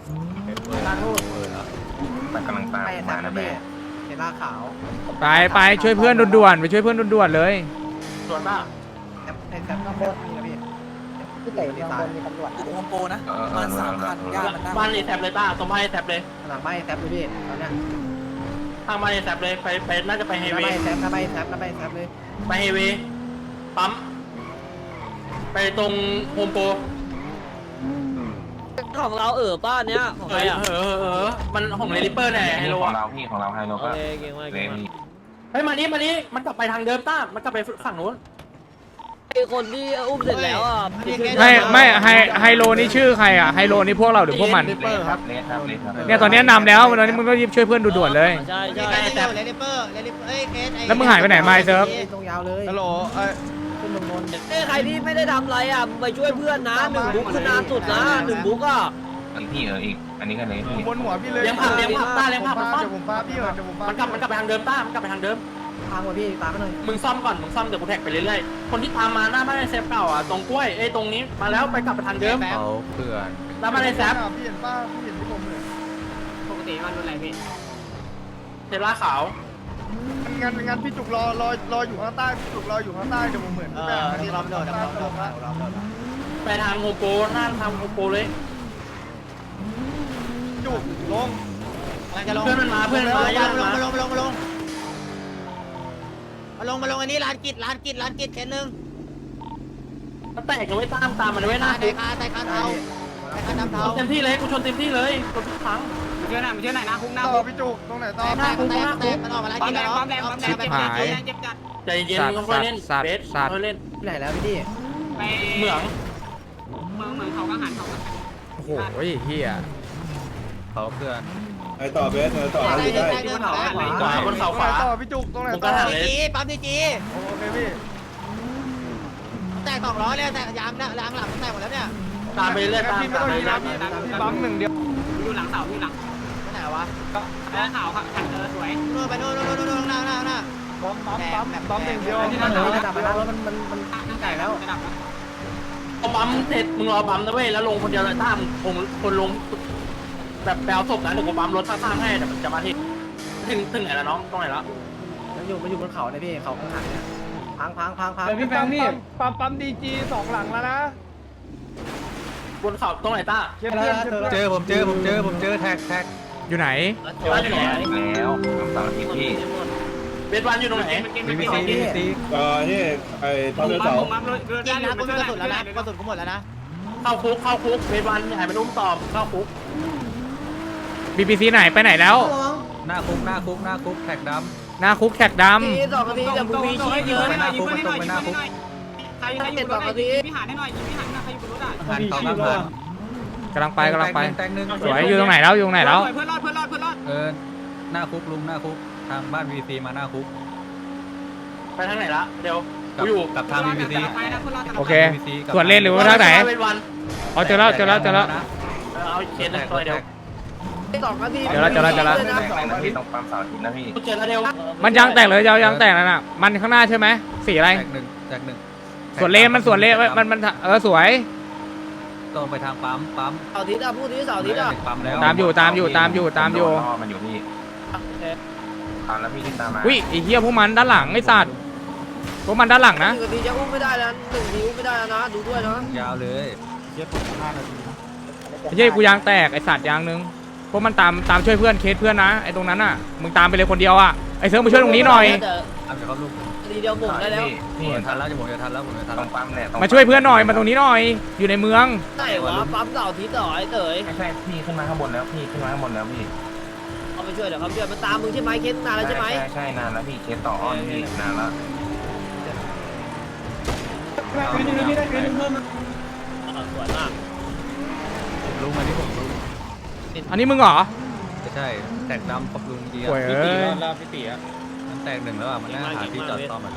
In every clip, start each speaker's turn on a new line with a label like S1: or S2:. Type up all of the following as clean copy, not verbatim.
S1: ลาทูด
S2: มันกำลังตามมานะแม่
S1: เห็นลาขาว
S3: ไปช่วยเพื่อนด่วนๆไปช่วยเพื่อนด่วนๆเลย
S1: ส่วนมากในแซมต้องมีนะพี่
S4: พี่เต๋อเมืองบนมีตำรวจนะ
S5: โฮมโปรนะมัน3,000ย่ามัน
S6: บ้านรีแทบเลยต้าตรงบ้านรีแทบเลย
S1: หลังไม่แซมเลยพี่ตอนเนี้ย
S6: ทางบ้านรีแทบเลยไปน่าจะไปเฮ
S1: ถ้า
S6: เว
S1: ไม่
S6: ย์
S1: แซมถ้าไม่แซมถ้าไม่แซมเลย
S6: ไปเฮเวย์ปั๊มไปตรงโฮมโปร
S4: ของเราป้าเนี้ยของใครอ่ะ
S6: มันของเลลิเปอร์เนี่ยไฮโล
S2: ของเราพี่ของเราไฮโล
S4: โอ
S2: ก็
S4: เคเก่งมาก
S2: เล
S4: เก่งมาก
S2: นี่
S6: เฮ้ยมานี้มันกลับไปทางเดิมต้ามันกลับไปฝั่งนู้น
S4: ไอ้คนที่อุ้มเสร็จแล้วอ่ะ
S3: ไม่ไฮโลนี่ชื่อใครอ่ะไฮโลนี่พวกเราหรือพวกมัน
S2: เลครับเลครับเลครับ
S3: เนี่ยตอนนี้นำแล้วตอนนี้มึงก็รีบช่วยเพื่อนด่วนๆเลย
S4: ใช่
S6: ใช่แต่
S3: แล้วมึงหายไปไหนมาไอ้เซิร์ฟ
S1: ตรงยาวเลย
S7: ฮัลโหล
S1: ขึ้นลงนน
S4: ใครที่ไม่ได้ทำอะไรอ่ะไปช่วยเพื่อนนะ1 บุ๊กคือนานสุดนะ1 บุ๊กอ่ะ
S2: อีกพี่อีกอันนี้ก็เลยพี่
S7: บนหัวพี่เลย
S6: เลี้ยงผักต้าเลี้ยงผักมันซ่อม
S7: เดี๋ยวผมป้าพี่เดี๋ยวผมป้า
S6: มันกลับไปทางเดิมต้ามันกลับไปทางเดิม
S1: ทางว่ะพี่ตามมาหน่อย
S6: มึงซ่อมก่อนมึงซ่อมเดี๋ยวกูแท็กไปเรื่อยๆคนที่ตามมาหน้าบ้านไอ้เซฟเก่าอ่ะตรงกล้วยตรงนี้มาแล้วไปกลับไปทางเดิม
S3: เขาเพื่อน
S6: หน้าบ้านไอ้แซฟ
S7: พี่เห็นป้าพี่เห็นที่ผมเลย
S1: ปกติมันรถอะไรพี่
S6: เทล่าขาว
S7: งั้นพี่จุกรออยู่ข้างใต้พี่จุกรออยู่ข้างใต้เดี๋ยวผมเหมือนพี่แบงค์ที่รับโดด
S6: ไปทางโฮมโปรหน้าทางโฮมโปรเลย
S7: จุกลง
S6: เพื่อนมันมาย่างมา
S5: มาลงอันนี้ร้านกิจเข็นหนึ่ง
S6: มันแตกกันไว้ตามมันไว้หน้า
S5: ไต่คานเทาเทา
S6: เต็มที่เลยกูชนเต็มที่เลยกดทุกครั้ง
S1: เชื่อหน่อยนะคุ้งหน้า
S7: ต่อพี่จุกตรงไหนต่อ
S5: แตกมันออกมาร้านกิจแล้ว
S6: ใจเย็นๆค่อยๆเล่นเบสค่อยๆเล่น
S1: ที่ไหนแล้วพี่ดิ
S6: เหมือง
S3: โอ้โหเฮีย
S7: เขาเพื่อน
S8: ไอต่อเบสไอต่อ
S5: ได้
S6: ขวาบนเสาขวา
S7: ต่อพี่จุกตรงไหน
S6: ผม
S7: ต่
S6: ก็
S7: อ
S6: หาเลย
S5: ปั๊มดีจี
S7: โอเคพี่
S5: แตก2 ล้อเลยแตกยางหลังแตกหมดแล้วเนี่ย
S6: ตามไปเรื่อยตาม
S7: พี่ไม่ต้องยีนะพี่บังหนึ่งเดียว
S1: อยู่หลังเสาพี่หลัง
S5: ไหนวะ
S1: แล้วขาวครับสวย
S5: นู่นไปนู่นหน้า
S7: ปั๊มหนึ่งเดียว
S1: ที่นั่นระดับไปแล้วมันไก่แล้ว
S6: พอปั๊มเสร็จมึงรอปั๊มนะเว้ยแล้วลงคนเดียวเลยตามคนลงแบบแปลศพนะเดี๋ยวกูปั๊มรถข้างๆให้เดี๋ยวมันจะมาที่ถึงไหนแล้วน้องตรงไหนแล้ว
S1: มันอยู่บนเขาเนี่ยพี่เขาข้างหลังเนี่ยพัง
S7: พี่แบงค์นี่ปั๊มดีจี2 หลังแล้วนะ
S6: บนเขาตรงไหนต้า
S7: เจอผมเจอแท็ก
S3: อยู่ไหน
S6: บ้านอยู่ไหน
S2: แล้วสามอาทิตย์พี่
S6: เบสวันอยู่ตรงไหน
S7: BBC
S8: นี่ไอตอนเดินเสา
S5: ยิงนะกูมีกระสุนแล้วนะกระสุนกูหมดแล้วนะ
S6: เข้าคุกเบสวันหายไปนุ่มตอบเข้าคุก
S3: BBC ไหนไปไหนแล้ว
S7: หน้าคุกแท็กด
S3: หน้าคุกแท็กด
S4: 2 นาทีแต่มึงมีชีพเยอะ
S7: ำไปหน้าคุกไปหน้าคุก
S1: ใครอยู่บนรถยิงพี่หาให้หน่อยยิงพี่หาใครอยู่บนรถอ่ะ
S7: หันเขาครับหัน
S3: ำกำลังไป
S7: แตงหนึ่ง
S3: สวยอยู่ตรงไหนแล้วอยู่ตรงไหนแล้ว
S1: เพื่อนรอด
S7: หน้าคุกลุงหน้าคุกทางบ้าน BBC มาหน้าคุก
S6: ไปทางไหนละเดี๋ยวกูอยู่
S7: กับทาง BBC
S3: โอเคส่วนเล่นหรือว่าทางไหน
S6: เบสวัน
S3: เอาเจอแล้ว
S6: เอาเคสหนึ่งตัวเดียว
S4: 2 นาที
S3: เจอแล้ว
S2: นะพี่ต้องปั๊มเสาร์อาทิตย์นะพี่
S6: กูเจอแล้วเดียว
S3: มันยางแตกเลยยางแตกนั่นน่ะมันข้างหน้าใช่ไหมสีอะไร
S7: แท็กหนึ่ง
S3: ส่วนเลนมันสวย
S7: ตรงไปทางปั๊ม
S4: เสาร์อาทิตย์อ่ะพูดที่เสาร์อาทิตย์อ่ะ
S7: ปั๊มแล้ว
S3: ตามอยู่
S2: ล่อมันอยู่พี่ตามแล้วพี่ที่ตามมา
S3: วิไอ้เหี้ยพวกมันด้านหลังไอ้สัตว์พวกมันด้านหลังนะ
S4: 1 นาทีจะอุ้มไม่ได้แล้ว1 ทีอุ้มไม่ได้แล้วนะดูด้วยนะ
S7: ยาวเลย
S3: ไอ้เหี้ยกูยางแตกไอ้สัตว์ยางนึงพวกมันตามช่วยเพื่อนเคสเพื่อนนะไอ้ตรงนั้นน่ะมึงตามไปเลยคนเดียวอ่ะไอ้เซิร์ฟมาช่วยตรงนี้หน่อย
S7: เอาเดี๋ยวเขาลูก
S4: ทีเดียวหมดได้แล้ว
S2: พี่
S7: ผมจะทันแล้วผมจะทันแล้ว
S2: ต้องปั๊มเนี่ย
S3: มาช่วยเพื่อนหน่อยมาตรงนี้หน่อยอยู่ในเมือง
S4: ไหนวะปั๊มเสาร์อาทิตย์ต่อไอ้เต๋ย
S2: ใช่พี่ขึ้นมาข้างบนแล้วพี่ขึ้นมาข้างบนแล้วพี่
S4: เอาไปช่วยเดี๋ยวเขาช่วยมันตามมึงใช่ไหมเคสนานแล้วใช่ไหม
S2: ใช่นานแล้วพี่เคสต่ออ้อนพี่นานแล้ว
S4: สวยมาก
S7: ลุงอันนี้ผมลุง
S3: อันนี้มึงเหรอ
S7: ใช่แตกดำกับลุงดี
S3: โวยเอ้ย
S7: มันแตกหนึ่งแล้วอ่ะมันน่าหาที่จอดซ่อมอ่ะ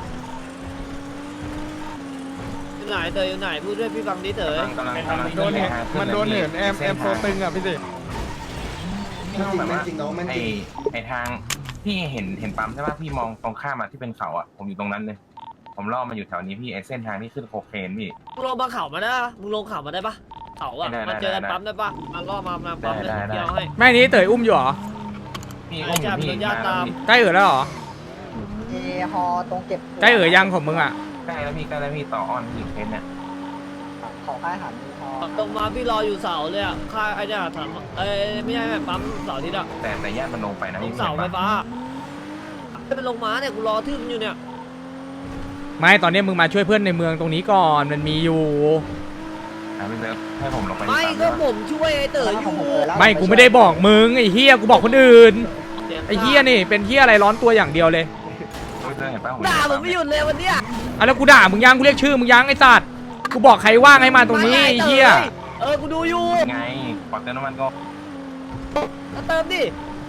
S4: อยู่ไหนเต๋ยอยู่ไหนพูดด้วยพี่ฟังดิเต๋ย
S2: กำลัง
S7: มันโดนเหินแอมโซตึงอ่ะพี่สิ
S2: แบบว่าไอทางพี่เห็นปั๊มใช่ป่ะพี่มองตรงข้ามมาที่เป็นเขาอ่ะผมอยู่ตรงนั้นเลยผมล่อมาอยู่แถวนี้พี่ไอเส้นทางที่ขึ้นโคเคนพี่
S4: มึงลงมาเข่ามาได้ปะมึงลงเข่ามาได้ปะเขาอะมาเจอกันปั๊มได้ปะมาล่อมาปั๊มเลยเดียวให้
S3: แม่นี้เต๋ยอุ้มอยู่เหรอ
S2: พี่อุ้มอยู่พี่
S4: ญาติตาม
S3: ใกล้แล้วเหรอ
S5: ฮอตรงเก็บ
S3: ใกล้ยังของมึงอ่ะ
S2: ใกล้แล้วพี่ต่ออ้อนพี่เคสเนี่ย
S5: ของค่ายหันมีฮอ
S4: ตรงมาพี่รออยู่เสาเลยอะค่ายไอ้เนี่ยถามไม่ใช่ปั๊มเสาที่อะ
S2: แต่ญาติมันลงไปนะ
S4: ตร
S2: พี่
S4: งเสาไฟฟ้าไม่เป็นลงมาเนี่ยกูรอทึ่มอยู่เนี่ย
S3: ไม่ตอนนี้มึงมาช่วยเพื่อนในเมืองตรงนี้ก่อนมันมีอยู่
S2: พี่เซิร์ฟให้ผมลงไป
S4: ไม่ก็ผมช่วยไอ้เต๋ออยู่
S3: ไม่กูไม่ได้บอกมึงไอ้เฮียกูบอกคนอื่นไอ้เฮียนี่เป็นเฮียอะไรร้อนตัวอย่างเดียวเลย
S2: พี่เซิร์ฟเห็นป่ะ
S4: ด่าผมไม่หยุดเลยวันเนี้ย
S3: อ่ะแล้วกูด่ามึงยังกูเรียกชื่อมึงยังไอ้สัตว์กูบอกใครว่างให้มาตรงนี้ไอ้เฮีย
S4: กูดูอยู่
S2: ไงปอดเติมน้ำมันก็
S4: เติมดิ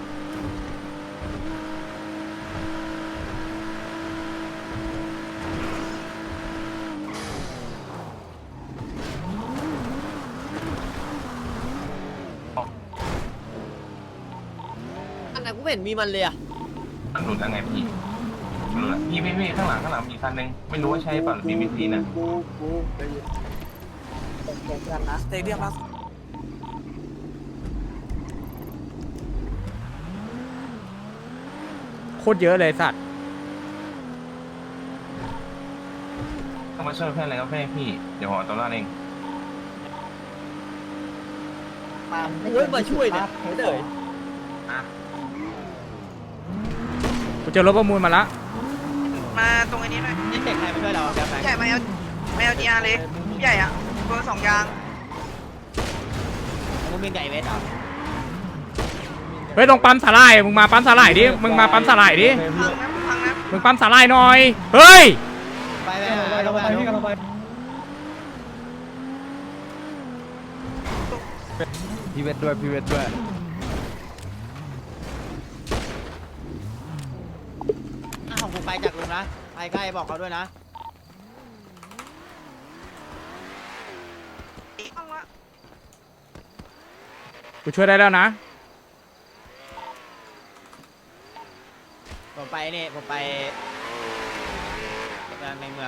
S4: อันไหนกูไม่เห็นมีมันเลยอะ
S2: มันหลุดแล้วไงพี่หลุดแล้วพี่ข้างหลังมีคันนึงไม่รู้ว่าใช่ป่ะหรือมีวิธีนะ
S5: เก็บกันนะ
S1: สเตเดียมล่าสุด
S3: โคตรเยอะเลยสัตว์
S2: ต้องมาช่วยเพื่อนอะไรก็เพื่อนพี่เดี๋ยวหัวตัวรอดเอง
S4: มาช่วยเนี่ยเต๋อ
S3: กูเจอรถประมูลมาละ
S9: มาตรงอันนี้หน่อย
S5: นี่เด็กใครมาช่วยเราแกแฟง
S9: ใหญ่มาเอาดีอาร์เลยใหญ่อะตัว2 ยาง
S5: มึงมีไก่เวทเหรอ
S3: เฮ้ยตรงปั๊มสาหร่ายมึงมาปั๊มสาหร่ายดิมึงมาปั๊มสาหร่ายดิ
S9: พังนะ
S3: มึงปั๊มสาหร่ายหน่อยเฮ้ย
S5: ไปพี่กำลังไป
S1: พี่เวทด้วยพี่เวทด้วย
S5: ของกูไปจากลุงนะไปใกล้บอกเขาด้วยนะ
S3: กูช่วยได้แล้วนะ
S5: ผมไปนี่ผมไปในเมือง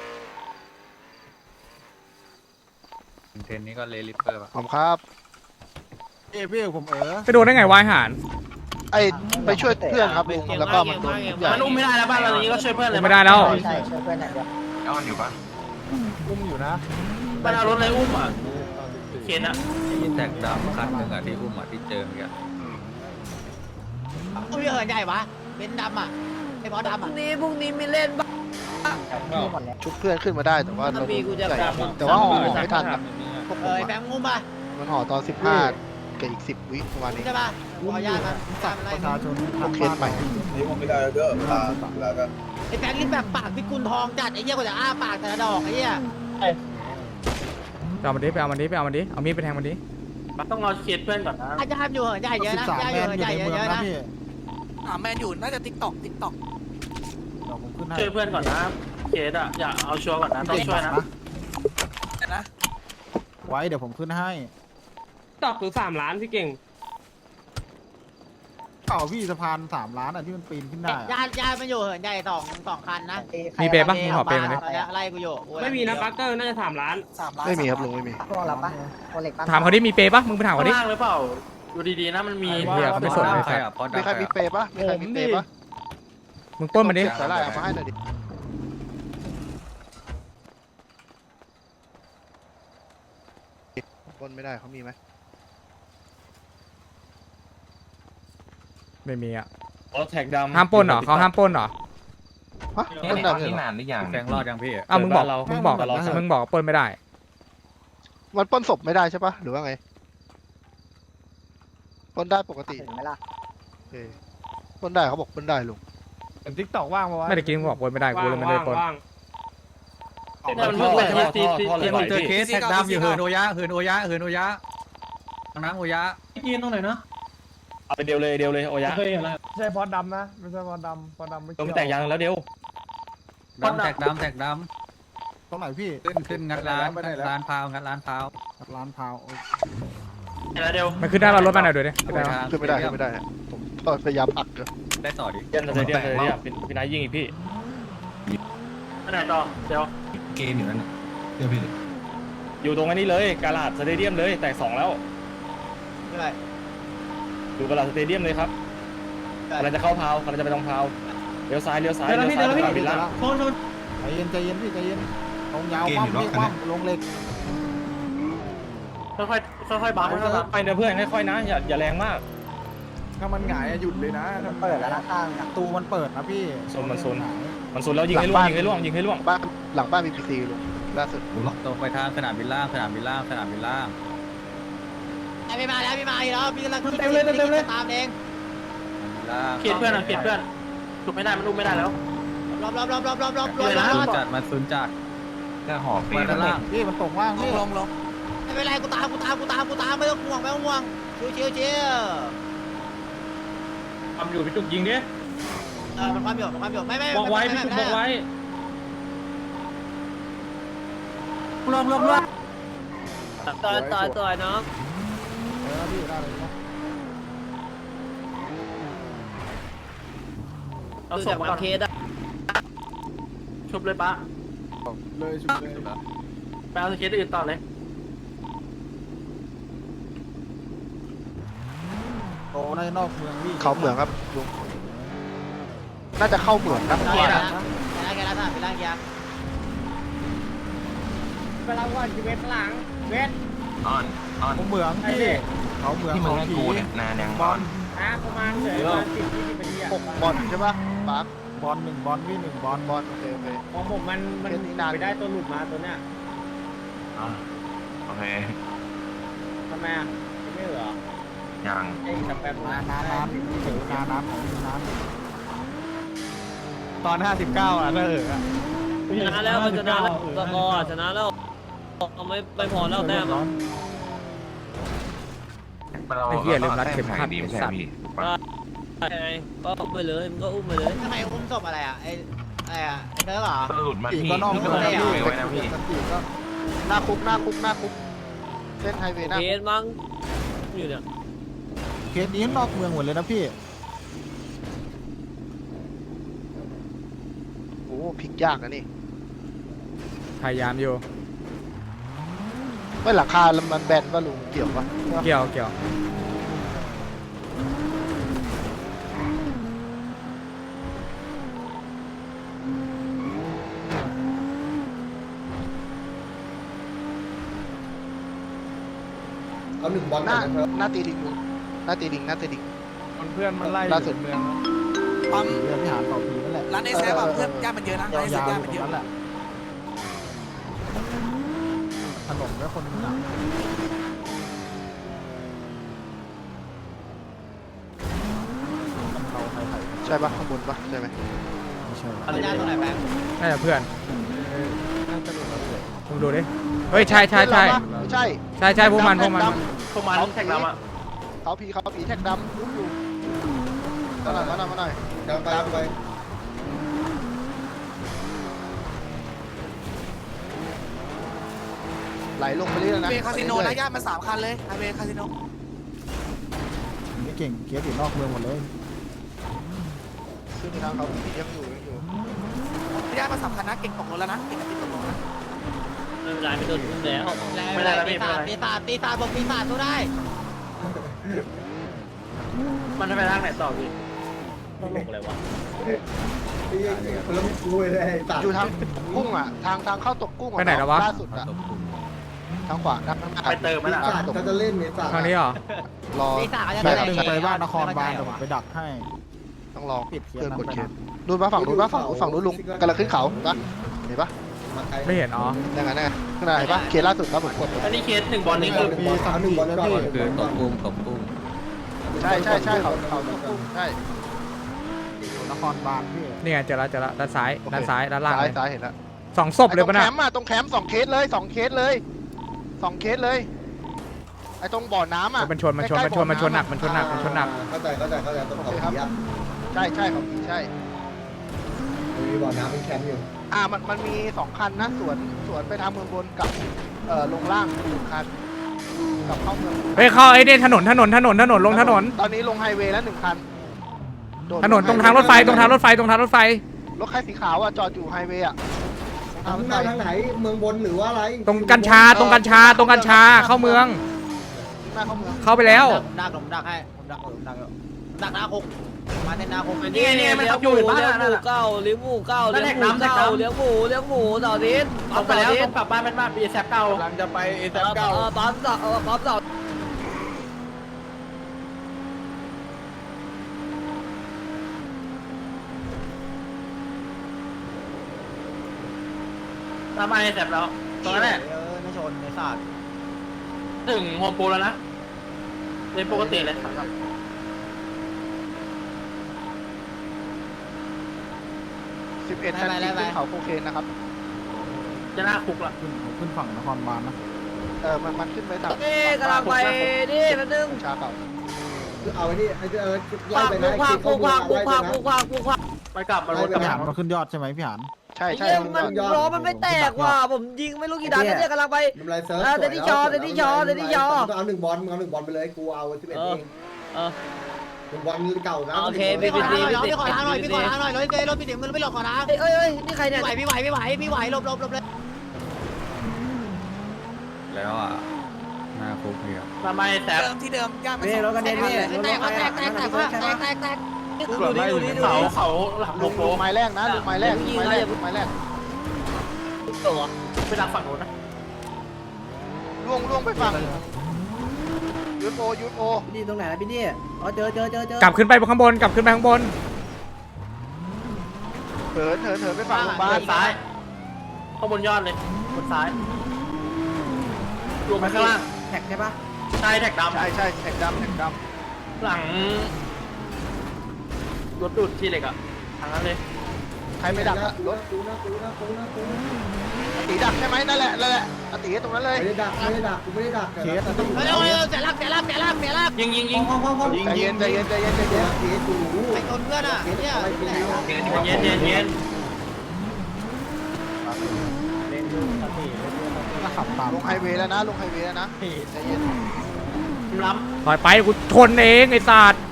S1: เทรนนี้ก็เลลิปเปอร์
S7: ผมครับ
S1: พี่ผม
S3: ไปโดนได้ไงวายหาร
S7: ไอไปช่วยเพื่อนครับลุงแล้วก็มันโดน
S6: มันอุ้มไม่ได้แล้วบ้านเรานี้ก็ช่วยเพื่อนเลย
S3: ไม่ได้แล้ว
S5: ใช่ช่วยเพื่อนหน่อยเดียว
S2: อ้อนอยู่ป่ะ
S6: บ้านเรารถอะไรอุ้มอ่ะเขียนอ่ะ
S1: ยินแตกดำคันหนึ่งอ่ะที่อุ้มอ่ะที่เจอเนี่ย
S5: อุ้ยเหินใหญ่ปะเบนซ์ดำอ่ะไอ้บอสดำ
S4: พรุ่
S5: อ่ะ
S4: งนี้มีเล่นบ้าง
S7: ชุบเพื่อนขึ้นมาได้แต่ว่า
S4: ถ้ามีกูจะแบบ
S7: แต่ว่าห่อไม่ทันนะพวกผม
S5: แฟงงุ้มป่ะ
S7: มันห่อตอน15กับอีก10 วิประมาณนี้
S5: ใช่ป่ะขออนุญาตมันตามอะไร
S7: พวกเคสใหม่
S8: นี่ผมไม่ได้แล้วเด้อลากัน
S5: ไอ้แฟงนี่แบบปากพิกุลทองจัดไอ้เหี้ยกว่าจะอ้าปากแต่ละดอกไอ้เหี้ย
S3: ไปเอามันดิไปเอามันดิไปเอามันดิเอามีดไปแทงมันดิ
S6: ต้องรอเคสเพื่อนก่อนนะ
S5: อาจจะทำอยู่เหินใหญ่เยอะนะใหญ่อยู่เหินใหญ่เยอะนะ
S1: แมนอยู่น่าจะติ๊กต็อก
S6: ช่วยเพื่อนก่อนนะเคสอ่ะอย่าเอาชัวร์ก่อนนะต้องช่วยนะ
S1: ไว้เดี๋ยวผมขึ้นให้
S6: ตอกถึง3 ล้านพี่เก่ง
S1: เก่าพี่สะพาน3 ล้านอ่ะที่มันปีนขึ้นได้
S5: ญาติมันอยู่เหินใหญ่สองคันนะ
S3: มีเปย์ปะมึงขอเปย์มันดิ
S5: ไล่กูอยู่
S6: ไม่มีนะปักเกอร์น่าจะ3 ล้าน
S7: ไม่มีครับลุงไม่มี
S5: พวกเราปะคนเล็กปะ
S3: ถามเขาดิมีเปย์ปะมึงไปถามเขา
S6: ข้าง
S3: ดิ
S6: ล่างหรือเปล่าดูดีๆนะมันมี
S3: เหี้ยเขาไม่สนเลยสัตว์
S7: มีใครมีเปย์ปะมีใครมีเปย์ปะ
S3: มึงปล้นมันดิ
S7: สาหร่ายเอามาให้หน่อยดิปล้นไม่ได้เขามีไหม
S3: ไม่มีอ่ะ
S1: แท็กดำ
S3: ห้ามปล้นเหรอเขาห้ามปล้นเหรอ
S7: ฮะ
S2: นี่
S7: ปล้น
S2: ต
S7: ได้
S2: อน
S7: เลย
S2: นี้
S7: เหรอ
S2: นานหรือยัง
S1: แกงรอดยังพี่
S3: อ้าวมึงบอกปล้นไม่ได้
S7: มันปล้นศพไม่ได้ใช่ปะหรือว่าไงปล้นได้ปกติ
S5: ถึงไหมล่ะ
S7: โอเคปล้นได้เขาบอกปล้นได้ลุง
S1: ติ๊กต็อกว่างปะวะ
S3: ไม่ได้กินมึงบอกปล้นไม่ได้กูเลยไม่ได้ปล้น
S6: มันเพิ่งเปิดที่
S1: เจอเคสแท็กดำอยู่เหินโอยะเหินโอยะทางน้ำโอยะ
S6: ยืนตรงไหนเนาะ
S1: เอาไปเดียวเลยโอยะไม่ใช่พอดดำนะไม่ใช่พอดดำไม่เกี่ยว
S6: แต่งยางแล้วเดียว
S1: แท็กดำตรงไหนพี่ขึ้นงัดร้านพาวงัดร้านพาว
S6: แล้วเดียว
S3: มันขึ้นได้เรารถมาหน่อยดูดิขึ้นได้ปะ
S7: ขึ้นไม่ได้ขึ้นไม่ได้ฮะผมพยายามอัดเลย
S1: ได้ต่อดิ
S6: เย็นเลยเนี่ยพี่นายยิงอีกพี่อันไหนต่อเดี๋ยว
S2: เกมอยู่นั่นเดี๋ยวพี่
S6: อ
S10: อยู่ตรงนี้เลยกาลาดสเตเดียมเลยแตก2แล้ว
S5: ไม่ไร
S10: อยู่กาลาดสเตเดียมเลยครับกำลังจะเข้าพาวกำลังจะไปตรงพาวเลี้ยวซ้ายไปตามวิลล่า
S1: ใจเย็นใจเย็นพี่ใจเย็นลงยาวคว่ำพี่คว่ำลงเหล็ก
S6: ค่อยๆบัฟค่อยๆบัฟ
S10: ไปนะเพื่อนค่อยๆนะอย่าแรงมาก
S7: ถ้ามันหงายหยุดเลยนะ
S1: เปิดแล้วนะข้างประตูมันเปิดนะพี่
S10: มันโซนแล้วยิงให้ล่วง
S7: บ้านหลังบ้านมีพีซีลุงล่าสุด
S1: ตรงไปทางสนามบินล่าง
S5: พี่มาแล้วพี่มาอีกแล้วพี่กำลังเต็มเลยตามเอง
S6: เขียนเพื่อนเขียนเพื่อนถูกไม่ได้มันอุ้มไม่ได้แล้ว
S5: รอบ
S1: จัดมาซุนจัด
S2: ก็หอบไป
S1: มาด้านล่างพี่มันตกว่างพี่
S5: ไม่เป็นไรกูตามไม่ต้องห่วงชิว
S10: ทำอยู่พี่จุกยิงดิ
S5: มันความหยดไม่
S10: บอกไว้พี่จุกบอกไว้
S4: ต่อยน้อง
S1: พี่ได้เลยนะ
S6: เอา
S4: คือ
S6: ส่
S4: จาง ก
S6: มา
S4: บางเคสอะ
S6: ชุบเลยปะ
S7: เลยชุดเลย
S6: ไปเอาสเก็ตอื่นต่อเลย
S1: โอ้ในนอกเมืองพี่
S7: เขาเหมืองครับลุงน่าจะเข้าเหมืองครับ
S5: แกแล้วเป็นร่างยา
S2: อ้อน
S1: เมืองพี่เขาเมือง
S2: ที่มึง
S1: เขา
S2: ให้
S1: ผี
S2: กูเนี่ยนานยัง
S1: บอล
S7: 6 บอลใช่ปะปาร์ค
S1: บอล1บอลพี่1บอล
S7: บอลโอเค
S10: ของผมมันไปได้ตัวหลุดมาตัวเนี้ย
S2: โอเค
S10: ทำไมอ่ะไม่เหรอ
S2: ยัง
S10: ไอ้ทำแบบ
S1: น้ำเสือน้ำของน้ำตอน59อ่ะถ้า
S4: ชนะแล้วมันชนะแล้วตะกอชนะแล้วไม่พอแล้วแต้ม
S3: ไอ้เหี้ยลืมรัดเข็มขัด
S2: ดี
S3: ไอ้
S2: ไม่ใช่
S3: สัตว์
S2: พี่
S4: ไงก็อุ้มไปเลยมันก็อุ้มไปเลย
S5: ทำไมอุ้มศพอะไรอ่ะไอ้เธอเหรอ
S2: หลุดมา
S1: ปี
S2: พี่
S1: ก็นอก
S2: ก็
S1: เมือง
S2: ไม่
S1: พี่
S2: ไว้นะพี่
S1: ปีก็
S7: หน้าคุกเส้นไฮเวย์หน้า
S4: เคสมั้งอยู่เนี่ย
S1: เคสนี้นอกเมืองหมดเลยนะพี่
S7: โอ้พลิกยากนะนี่
S3: พยายามอยู่
S7: ไม่หลังคามันแบนป่ะลุงเกี่ยวปะ
S3: เกี่ยว
S8: เอา1 บอล
S7: หน้าตีดิงลุงหน้าตีดิง
S1: เพื่อนมันไล่
S7: ล่าสุด
S1: เมืองปั๊มเรือพิหารเป่าผีนั่นแหละ
S5: ร้านเอสเอฟเพื่อนย่ามันเยอะนะ
S1: ยาวๆอยู่ตรงนั้นแหละถนนแล้วคนหนักเขาใคร
S7: ใช่ปะข้างบนปะใช่ไหม
S1: ไม่ใช่
S5: อะไรย่าตรงไหนแบงค์
S3: น่าจะเพื่อนมึงดูดิเฮ้ยใช่
S7: ไม่ใช่
S3: พวกมัน
S6: พวกมันแท็กเราอ่ะ
S7: เขาผีแท็กดำอุ้มอยู่มาหน่อย
S8: ตามไป
S7: ไหลลงไปเรื่อยๆนะ
S5: เวคาสิโนนะย่ามัน3 คันเลยเวคาสิโน
S1: ไม่เก่งเคสอยู่นอกเมืองหมดเลย
S7: ขึ้นทางเขาผียังอยู่
S5: ย่ามัน3 คันนะเก่งตกรถแล้วนะเก่งติดตกรถนะ
S4: ไม่เป็นไรไม่โดนอุ้มแล้ว
S5: ไม่ได้ปีศาจบอกปีศาจสู้ได้
S6: มันจะไปทางไหนต่อพี่
S4: ต้องลงอะไรวะ
S8: แล้วกูเลยตัด
S7: อยู่ทางกุ้งอ่ะทางเข้าตกกุ้ง
S3: ไปไหนแล้ววะ
S7: ล่าสุดอ่ะทางขวาทางหน้า
S6: ไปเติมมันอ่ะ
S8: ถ้าจะเล่นเนี่ยตัด
S3: ทางนี้เหรอ
S7: รอ
S5: ปีศาจจะ
S1: แบ
S5: ได้
S1: บหนึ่งไปบ้านนครบาลเดี๋ยวผมไปดักให้
S7: ต้องลอง
S1: ปิดเคส
S7: เพื่อน
S1: นั้น
S7: กด
S1: ไป
S7: เคส
S1: นะ
S7: ดูนปะฝั่งนู้นลุงกำลังขึ้นเขาปะเห็นปะ
S3: ไม่เห็นอ๋อ
S7: นั่นไงข้างหน้าเห็นปะเคสล่าสุดครับผมกด
S6: อันนี้เคส1 บอลนี่คือ
S1: มีสามบอลแล้วพี่
S3: คือตบกุ้ง
S7: ใช่เขาตกกุ้งใช่
S1: นครบาลพี่
S3: นี่ไงเจอแล้วด้านซ้ายด้านล่างเลย
S7: ซ้ายเห็นแล้ว
S3: 2 ศพเลยปะ
S7: ตรง
S3: น่ะ
S7: แคมป์อะตรงแคมป์2 เคสเลย2 เคสเลยไอ้ตรงบ่อน้ำอ่ะ
S3: มันชนหนักมันชนหนัก
S8: เข้าใจต้องเขาผีอ่ะ
S7: ใช่ของผีใช่
S8: มีบ่อน้ำเป็นแคมป์อยู่
S7: มันมี2 คันนะสวนไปทางเมืองบนกับลงล่าง1 คันกับเข้าเมือง
S3: เฮ้ยเข้าไอ้เนี่ยถนนลงถนน
S7: ตอนนี้ลงไฮเวย์แล้ว1 คันโดด
S3: ถนนตรงทางรถไฟ
S7: รถคันสีขาวอ่ะจอดอยู่ไฮเวย์อ่ะตรง
S8: ทางหน้าทางไหนเมืองบนหรือว่าอะไร
S3: ตรงกัญชาตรงกัญชาตรงกัญชาเข้าเมือง
S7: หน้าเข้าเมือง
S3: เข้าไปแล้ว
S5: ผมดักให้ผมดักหน้าคุกมาเส้นหน้าคุก
S4: นี่เลี้ยงหมูเก้าเลี้ยงหมูเก้าเลี้ยงหมูเก้าเลี้ยงหมูต่อทิศ
S6: ตรงไปแล้วตรงกลับบ้านเป็นบ้านปีแซบเก่าก
S10: ำลังจะไปเอ
S4: ปั๊มต่อ
S6: ตามมาแซบแล้วตรงนั้นแหละ
S5: ไม่ชนในศาสตร์
S6: ถึงโฮมโปรแล้วนะเป็นปกติเลยครับ
S7: 11คันจริงขึ้นเขาโคเคนนะครับ
S6: จะหน้าคุกละ
S1: ขึ้นฝั่งนครบาลนะ
S7: มันขึ้นไปต่าง
S4: นี่กำลังไปนี่แป๊บนึง
S7: ชาเก่า
S8: เอาไอ้นี่ไอ้ไล่
S4: พัก
S8: ไป
S4: บุ
S8: นะ
S4: กพักบุกพักบุกพักบุกพักบุกพัก
S6: ไปกลับมารถกลับ
S1: พี่หานมาขึ้นยอดใช่ไหมพี่หาน
S7: ใช่ใช่
S4: มันล้อมันไม่แตกว่ะผมยิงไม่รู้กี่นัดแล้วเนี่ยกำลังไป
S8: ทำไรเซิร์ฟ
S4: เดดี้ชอ
S8: เอา1 บอลมึงเอา1 บอลไปเลยกูเอา11เอง 1 บอลเก่านะ
S4: โอเค
S5: พี่ขอทางหน่อยรถเจรถพี่เดี๋ยวมันไม่หลบก่อนนะ
S4: เอ้ยนี่ใครเนี่ย
S5: พี่ไหวหลบเลย
S1: แล้วอ่ะหน้าคุกเนี่ย
S6: ตามมาแซบ
S5: ที่เดิมย่างไปรถกันเด็นพี่แตก
S4: ดูดิดูดิดู
S6: เขาหลังโลโก้
S7: ลูกไม้แรกนะลูกไม้แรกลูกไม้แรกลูกไม้แรก
S4: ตัว
S6: ไปดักฝั่งโน้นนะ
S7: ล่วงไปฝั่งยูโอ
S5: นี่ตรงไหนนะพี่นี่อ๋อเจอก
S3: ลับขึ้นไปข้างบนกลับขึ้นไปข้างบน
S7: เถินไปฝั่งโรงพยาบาล
S6: ซ้ายข้างบนยอดเลยบนซ้ายรวมไปข้างล่าง
S5: แท็กใช่ปะ
S6: ใช่แท็กดำ
S7: ใช่แท็กดำ
S6: หลังรถดูดที่เหล็กอ่ะทางนั้นเลย
S7: ใครไม่ดักรถ
S8: กูนะ
S7: ตีดักใช่ไหมนั่นแหละตีตรงนั้นเลย
S8: ไม่ได้ดักกูไม่ได้ดัก
S5: เร็วเสียลัก
S6: ยิง
S7: ใจเย็นเคสกูรู้
S5: ไอ้คนเพื่อนอ่ะเนี่ย
S6: เย็น
S1: ก็ขับตาม
S7: ลงไฮเวย์แล้วนะใจเย็น
S6: ล้
S3: ถอยไปกูชนเองไอ้สัตว์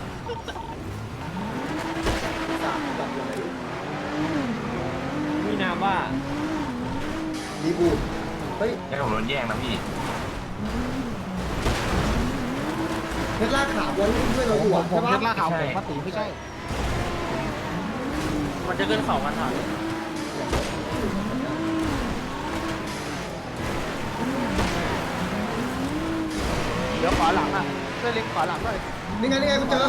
S4: มีนามว่า
S8: ดีบูดเฮ้ย
S2: ให้ผมโดนแย่งนะพี่
S8: เพชรลากขาวนเพื่อนเราอยู่
S1: ผม
S8: ใช่
S1: เพ
S8: ปะ
S1: ชรล่าขาวผมปติไม่ใช่
S6: มันจะขึ้นเขากันถ่าย
S7: เดี๋ยวขวาหลังอ่ะช่วยเล็งขวาหลังหน่อย
S8: นี่ไงกูเจอ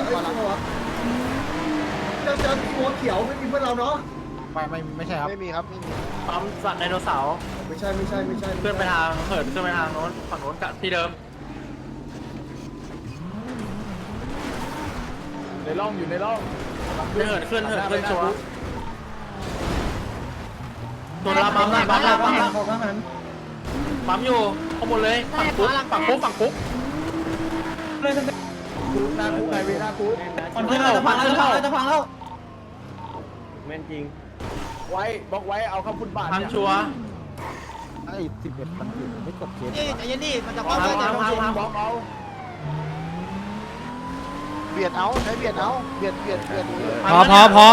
S8: หัวเขียวไม่มีเพื่อนเราเนาะ
S1: ไม่ใช่ครับ
S7: ไม่มีครับไม่มี
S6: ปั๊มสัตว์ไดโนเสาร์
S8: ไม่ใช่
S6: เพื่อนไปทางเหินขึ้นไปทางโน้นฝั่งโน้นกับที่เดิม
S10: ในร่องอยู่ในร่อง
S6: เหินขึ้นชัวร์ตัวละปั๊มอยู่ข้างบนเลยฝั่งคุก
S10: หน้าคุกไฮเวย์หน้าคุก
S6: มันขึ้นเข้า
S10: แม่นจริงไว้บล็อกไว้เอาเข้าฟุตบาท
S6: ทาง
S10: เนี่ย
S6: ชัวร์
S1: ไอ้11มันอยู่ไม่กดเคส
S5: นี่ใจเย็นดิมันจะ
S10: บล็
S5: เข้า
S10: อก
S5: ไป
S10: เอา
S5: แต่
S10: บล็อกเอา
S7: เบียดเอาใช้เบียดเอาเบียด
S3: พอ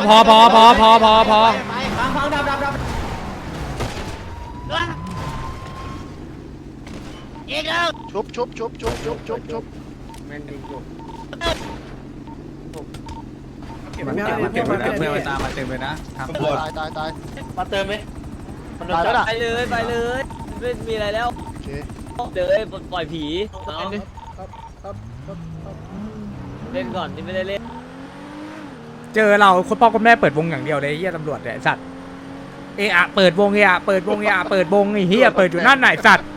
S5: ไปฟังดับอีกแล้ว
S7: ชุบ
S10: แม่นจริงจุก
S1: มันเก็บไว้นะเพื่อนมันตามมาเต็มเลยนะทาง
S7: ตาย
S6: มาเติมไหมมันโดน
S7: ตาย
S6: จั
S7: แล้ว
S6: บ
S7: นะ
S4: ไปเลยไม่มีอะไรแล้ว
S7: โอเค
S4: เดี๋ยวปล่อยผีเล่นก่อนที่ไม่ได้เล่น
S3: เจอเราคนพ่อคนแม่เปิดวงอย่างเดียวเลยไอ้เหี้ยตำรวจเนี่ยไอ้สัตว์เปิดวงไอ้เปิดวงไอ้เหี้ยเปิดอยู่นั่นไหนสัตว์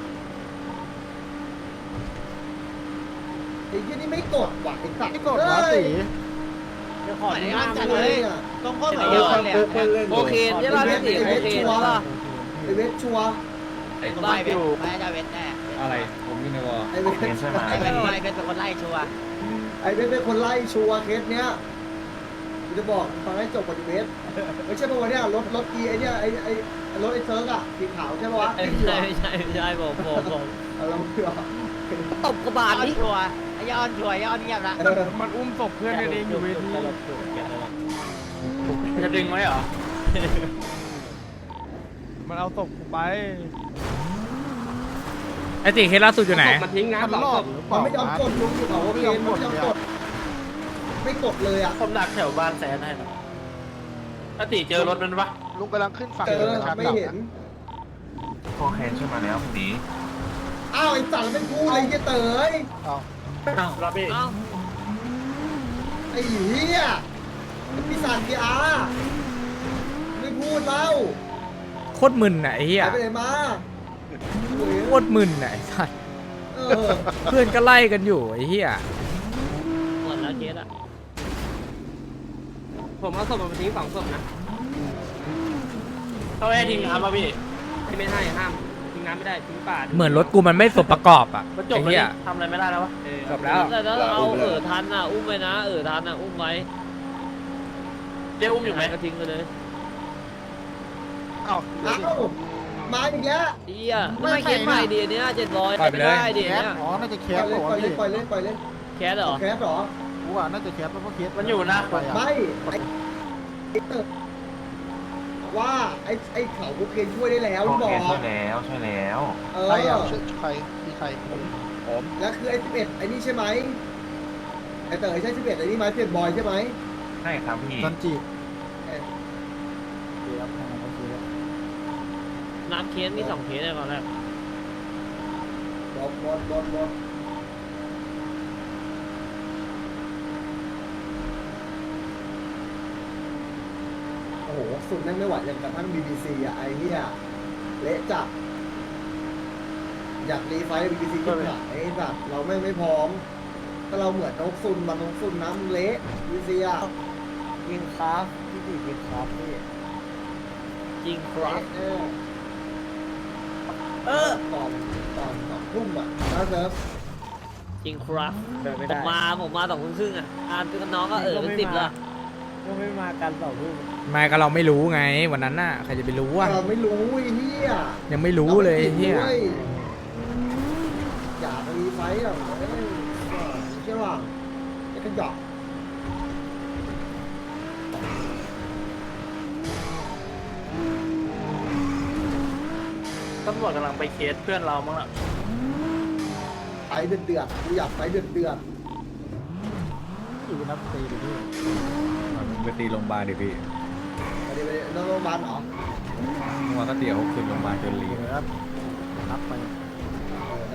S8: ไอ้ยี่นี่ไม่กดว่ะไอ้สัตว์
S1: ไม่กดนะตี
S5: ขอในอันจัดเลยตรงข้อเหมือน
S8: เอ
S5: เดิมเลย
S4: โอเคใช่ป่ะพี่ติ๋โอเคใช่ป่ะ
S8: ไอเวทชัว
S5: ไม่อยู่ไม่จะเวทแน่
S1: อะไรผมอยู่ในวอ
S8: ไอเวท
S2: เป็นใช่ไหม
S5: ไอ้เป็นคนไล่ชัวร์
S8: ไอเวทเป็นคนไล่ชัวเคสเนี้ยกูจะบอกฟังให้จบก่อนเวทไม่ใช่ป่ะวะเนี่ยรถอีไอเนี่ยไอรถไอเซิร์กอะสีขาวใช่ป่ะวะ
S4: ไม่ใช่ผม
S8: เราเผื่อ
S4: ตบกระบาลนี่
S5: ชัวร์ไอ้ย้อนชัวร์ย้อนเงียบนะ
S3: มันอุ้มศพเพื่อนกันเองอยู่เวที
S6: จะดึงไว้เหรอ
S7: มันเอาศพกูไป
S3: ไอ้ตีเคสล่าสุดอยู่ไหน
S6: มันทิ้งนะ
S7: มันรอด
S8: มันไม่ยอมกดลุงอยู่เขาเกมมันไม่ยอมกดไม่กดเลยอ่ะ
S6: ผมดักแถวบ้านแซนให้นะถ้าตีเจอรถมันปะ
S7: ลุงกำลังขึ้นฝั่ง
S8: เจอไม่เห็น
S2: โคเคนช่วยมาแล้วพี่ตี
S8: อ้าวไอ้สัตว์เป็นกูเลยเหี้ยเต๋ย
S6: รับพี่
S4: เอ้า
S8: ไอ้เหี้ยมันมีสารพีอาร์ไม่พูดแล้ว
S3: โคตรมึนน่ะไอ้เหี้ย
S8: หายไปไหนมา
S3: โคตรมึนน่ะไอ้สัส
S8: เออ
S3: เพื่อนก็ไล่กันอยู่ไอ้เหี้ย
S4: หมดแล้วเคสอะ
S6: ผมเอาศพมาทิ้ง2 ศพนะเขาให้ทิ้งน้ำป่ะพี่ไม่ให้ห้ามทิ้งน้ำไม่ได้ทิ้งป่า
S3: เหมือนรถกูมันไม่สมประกอบอ่ะ
S6: มันจบ
S3: ไอ้
S6: แล้ว
S3: เหี้ย
S6: ทำอะไรไม่ได้แล้ววะ
S3: จบแล้ว
S4: แต่ถ้าเราทันอ่ะอุ้มไว้นะทันอ่ะอุ้มไว้
S6: เดี๋ยวอุ้มอยู่ไหม
S4: ก็ทิ้งไปเลย
S7: เอ้า
S8: เอ้ามาอีกแล้ว
S4: เหี้ยไม่เคสใหม่ดีเนี้ย700
S3: ปล่อยไป
S4: ไม่
S3: เลย
S4: ได้ดีเนี้ย
S7: อ๋อ น่าจะแค
S8: ปล่
S7: ส
S8: อยเลย
S7: ปะ
S8: ปล่อยเลยปล่อยเลยปล่อยเลย
S4: แคสเหรอ
S8: แคสเหรอ
S7: กูว่าน่าจะแคสเพราะเคส
S6: มันอยู่นะ
S8: ไม่ไอ้เต๋อว่าไอ้เขาโอเคช่วยได้แล้ว
S2: โค
S8: บอ
S2: เคน
S8: ก
S2: ช่วยแล้วช่วยแล้ว
S8: เอ
S7: ใครอ่ะ
S8: อ
S7: ใครมีใครผม
S8: แล้วคือไอ้11ไอ้นี่ใช่ไหมไอ้เต๋อใช่11ไอ้นี่ไหม11บอยใช่ไหม
S2: ใช่ครับพี่
S7: ซันจิ
S4: น้ำเคสมี2เคสในตอนแรก
S8: บอลโอ้โหสุดนั่งไม่ไหวอย่างกระทั่ง BBC อ่ะไอ้เหี้ยเละจัดอยากรีไฟท์ BBC ขึ้นหลังไอ้แบบเราไม่พร้อมถ้าเราเหมือนนกซุนมันนกซุนน้ำเละ BBC อ่ะ
S5: ยิงครับพี่ตียิงครับพี่
S4: จริงครับ
S8: ตอนทุ่มอ่ะนะเซิร์ฟ
S4: จริงครับ
S5: เดินไม่
S4: ผ
S5: ได้
S4: มมา2 ทุ่มครึ่งอ่ะเป็นน้องก็เป็น10ละ
S5: ก็ไม่มากัน2 ทุ่ม
S3: ไม่ก็เราไม่รู้ไงวันนั้นน่ะใครจะไปรู้อ่ะ
S8: เราไม่รู้ไอ้เหี้ย
S3: ยังไม่รู้เลยไอ้เหี้ย
S8: อยากรีไฟท์อ่ะใช่ป่ะไอ้กระจอก
S6: ตำรวจกำลังไปเคสเพื่อนเรามั้งล่ะ
S8: ไฟเดือดกูอยากไฟเดือด
S7: อยู่นับตีดิพี่
S1: ไปตีโรงพยาบาลดิพี่
S8: ไปดินอนโรงพยาบาลเหรอ
S1: เมื่อวานก็เตี๋ยวขึ้นโรงพยาบาลจนลี
S7: เดี๋ยวนับไป
S8: ได้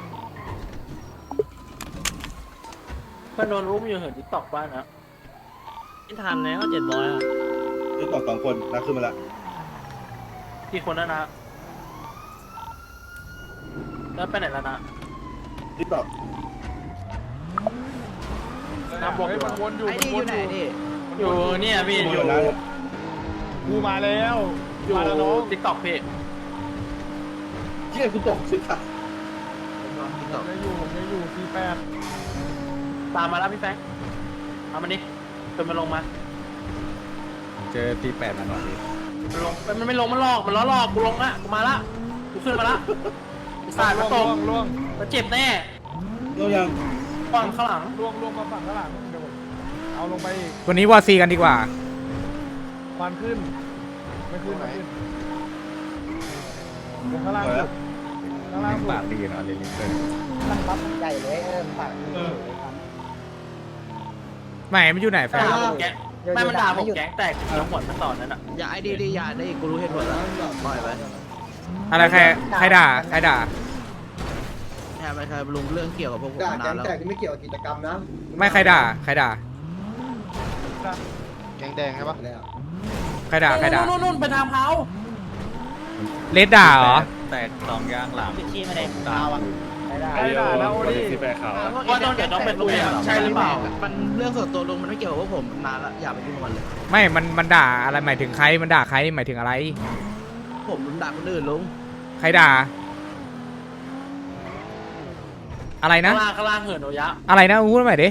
S6: เพื่อนโดนรุมอยู่เหินติ๊กตอกบ้านนะ
S4: ไม่ทันแล้ว700อ่ะ
S10: นี่ต่อ2 คนนะขึ้นมาละ
S6: กี่คนแล้วนะแล้วไปไหนแล้วนะ
S10: นี่ต่อ
S6: น้ำบอกอยู่
S7: มันวนอยู่
S5: ไอ้นี่อยู่ไหนนี่
S6: อยู่เนี่ยพี่อยู่
S7: กูมาแล้ว
S6: อยู่
S7: มาแล้วน้อง
S6: ติ๊กตอกพี่
S10: เชี่ยกูตกสิค่ะ
S7: ผมจะอยู่48
S6: ตามมาแล้วพี่แฟงเอามันดิจนมันลงมา
S1: เจอตี8มันหน่อยดิ
S6: มันลงมันไม่ลงมันหลอกมันล้อหลอกกูลงละกูมาละกูขึ้นมาละสาดมาตก
S7: ล่วง
S6: มันเจ็บแน่
S10: เรายัง
S6: ฝั่งข้างหลัง
S7: ล่วงมาฝั่งข้างหลังเดี๋ยวผมเอาลงไปอีก
S3: วันนี้วอซีกันดีกว่า
S7: ควันขึ้น ไม่ขึ้นไหนลงข้างล่างสุดข้างล่างสุด
S1: ปากดีเนาะเลลิเตอร์
S5: มันบัฟใหญ่เลยปาก
S3: ไม่มันอยู่ไหนแฟน
S6: ด่าผมแก๊งไม่มันด่าผมแก๊งแตกแล้วหมดมันต่อนั้นอ่ะ
S5: อย่าไอ้ดีอย่าได้กูรู้เหตุผลแล้วปล่อยไป
S3: อะไรใครด่า
S5: แค่ไม่เคยลุงเรื่องเกี่ยวกับพวกผม
S8: ด่าแก
S5: นาน
S8: ง
S5: แล้ว
S8: แตกที่ไม่เกี่ยวกับกิจกรรมนะ
S3: ไม่ใครด่า
S7: แกงแดงใช่ปะ
S8: แล้ว
S3: ใครด่า
S6: นู่นไปทางเท้า
S3: เลดด่าเหรอ
S1: แตก2 ย่างหลัง
S5: ปิดขี้มาเลย
S1: ตาม
S7: ใครด่าแล้วโอ้ดิ
S10: ที่แปรขาว
S6: ว่าต้องเกิดต้องเป็นตัวอย่างใช่หรือเปล่า
S5: มันเรื่องส่วนตัวลุงมันไม่เกี่ยวกับพวกผมนานแล้วอย่าไปยุ่งกับมันเลย
S3: ไม่มันด่าอะไรหมายถึงใครมันด่าใครหมายถึงอะไร
S5: ผมด่าคนอื่นลุง
S3: ใครด่า อะไรนะ
S6: ข้างล่างเหินโอยะ
S3: อะไรนะพูดใหม่ดิ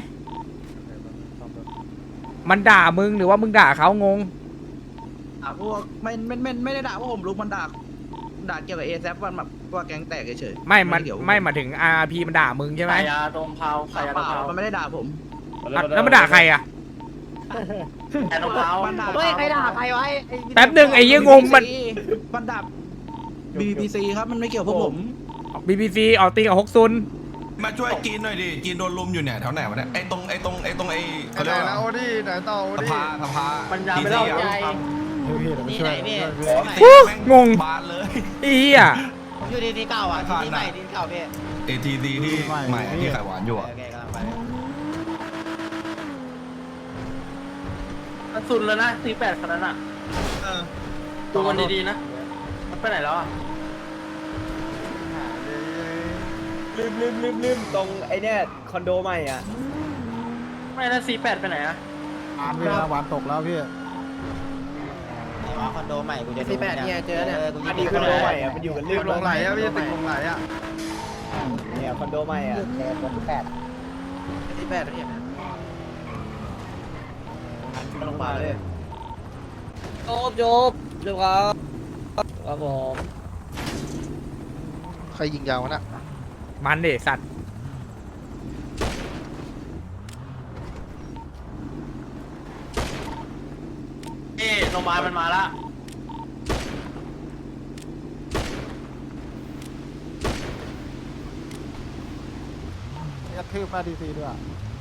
S3: มันด่ามึงหรือว่ามึงด่าเขางง
S5: พวกไม่ได้ด่าพวกผมลุงมันด่าเกี่ยวกับเอแซฟวันแบบว่าแก๊งแตกเฉย
S3: ไม่หมายถึง RP มันด่ามึงใช่ไหม
S6: ขายยาตรงเผาขายยาตรงเผา
S5: มันไม่ได้ด่าผม
S3: แล้วมันด่าใครอ่ะ
S6: ขายตรงเผา
S5: เฮ้ยใครด่าใครไว้
S3: แป๊บหนึ่งไอ้เหี้ยงงมัน
S5: มันด่า BBC ครับมันไม่เกี่ยวพวกผม
S3: BBC ออกตีกับฮกซุน
S11: มาช่วยจีนหน่อยดิจีนโดนลุมอยู่เนี่ยแถวไหนวะเนี่ยไอ้ตรงเขาเรียกว่า
S7: โอ้ดิไหนต่อโอ้ดิ
S11: สภา
S6: มันยาวไปแล้ว
S11: จีน
S6: ใจ
S9: นี่ไหนพี่
S3: งง
S11: บานเลย
S3: อีอ่ะ
S9: ผมอยู่ที่เก่าอ่ะที่ใหม่ที่เก่าพี่
S11: ATD ที่ใหม่ที่ไข่หวานอยู่อ่ะ
S9: โอเคกำลังไป
S6: มันสุดแล้วนะ48คันนั้นอ่ะดูมันดีๆนะมันไปไหนแล้วอ่ะ
S10: ลืมตรงไอ้เนี่ยคอนโดใหม่อ่ะ
S6: ไม่นะ48ไปไหนอ่ะ
S1: หวานตกแล้วพี่
S9: คอนโดใหม่กูจะ48เนี่ยเจอเนี่ย
S10: อันนี้คอนโดใหม่อ่ะมันอยู่กัน
S7: ตึกลงไหลอ่ะพี่ตึกลงไหลอ่ะ
S10: เนี่ยคอนโดใหม่อ่ะ
S9: 48เนี่ย
S10: ลงมาเลย
S4: จบเรียบร้อยครับผม
S7: ใครยิงยาววะน่ะ
S3: มันเดสัตว์
S6: โรงพยาบาลมันมาละ
S1: กระทืบมาดีซีด้วย